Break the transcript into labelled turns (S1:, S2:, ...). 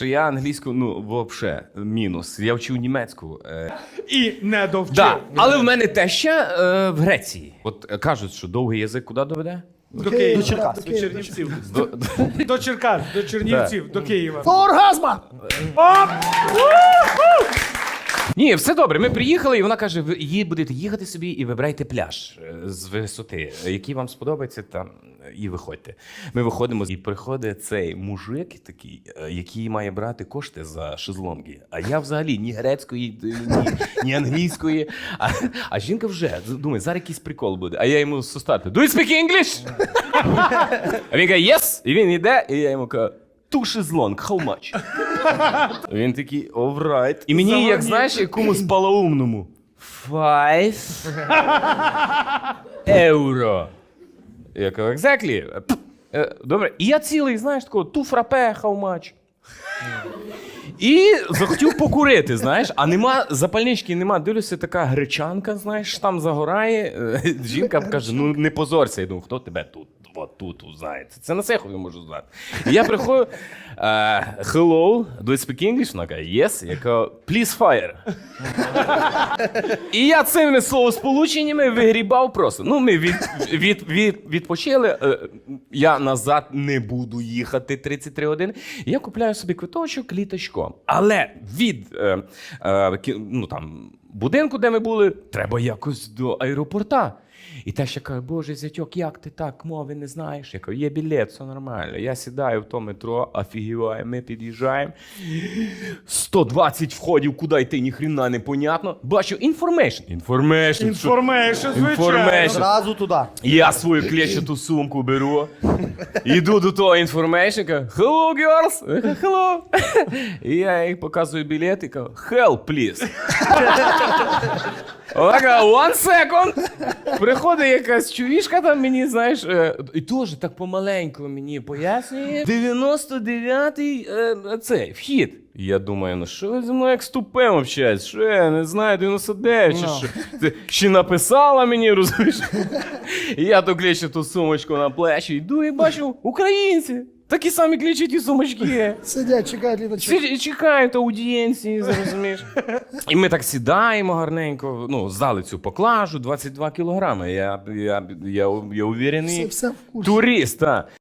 S1: Я англійську, взагалі, мінус. Я вчив німецьку.
S2: І не довчив.
S1: Да. Але в мене теща в Греції. От кажуть, що довгий язик куди доведе?
S2: До Києва.
S3: До Черкас.
S2: До Чернівців. До Черкас, до Чернівців, до Києва.
S3: До оргазма!
S2: Оп!
S1: Ні, все добре. Ми приїхали, і вона каже, ви будете їхати собі і вибирайте пляж з висоти, який вам сподобається, там, і виходьте. Ми виходимо, і приходить цей мужик такий, який має брати кошти за шезлонги. А я взагалі ні грецької, ні англійської. А жінка вже думає, зараз якийсь прикол буде. А я йому з старту, do you speak English? А він каже, yes. І він йде, і я йому кажу, two шезлонг, how much? Він такий, all right. І мені, як знаєш, якомусь полоумному. 5 євро. Я кажу, exactly. Добре. І я цілий, знаєш, такого, two фрапе, how much? І захотів покурити, знаєш, а нема запальнички, нема. Дивлюся, така гречанка, знаєш, там загорає. Жінка каже, ну не позорся. Я думаю, хто тебе тут? От тут узнає. Це на Сехові можу знати. І я приходжу, hello, do you speak English? Вона каже, yes. Я кажу, please fire. І я цими словосполученнями вигрібав просто. Ну, ми відпочили, я назад не буду їхати 33 години. Я купляю собі квиточок літачком. Але від будинку, де ми були, треба якось до аеропорта. І та ще каже, боже, зятьок, як ти так, мови не знаєш? Я кажу, є білет, все нормально. Я сідаю в то метро, офігіваю, ми під'їжджаємо. 120 входів, куди йти, ніхрена не понятно. Бачу, information.
S2: Звичайно.
S3: Зразу туди.
S1: Я свою клещату сумку беру, йду до того information, кажу, hello, girls, я кажу, hello. І я їй показую білет і кажу, help, please. Вона каже, one second. Приходить якась чувішка там мені, знаєш, і теж так помаленьку мені пояснює. 99-й цей вхід. І я думаю, ну що ви зі мною як з тупим общаєтесь? Що я не знаю, 99 чи що? Ти ще написала мені, розумієш? І я то клещу ту сумочку на плечі, йду і бачу, українці. Такі самі клічаті сумочки.
S3: Сидять, чекають літачок.
S1: Чекають аудієнції, зрозумієш. І ми так сідаємо гарненько, здали цю поклажу, 22 кілограми. Я уверений
S3: Все в курсі.
S1: турист, так.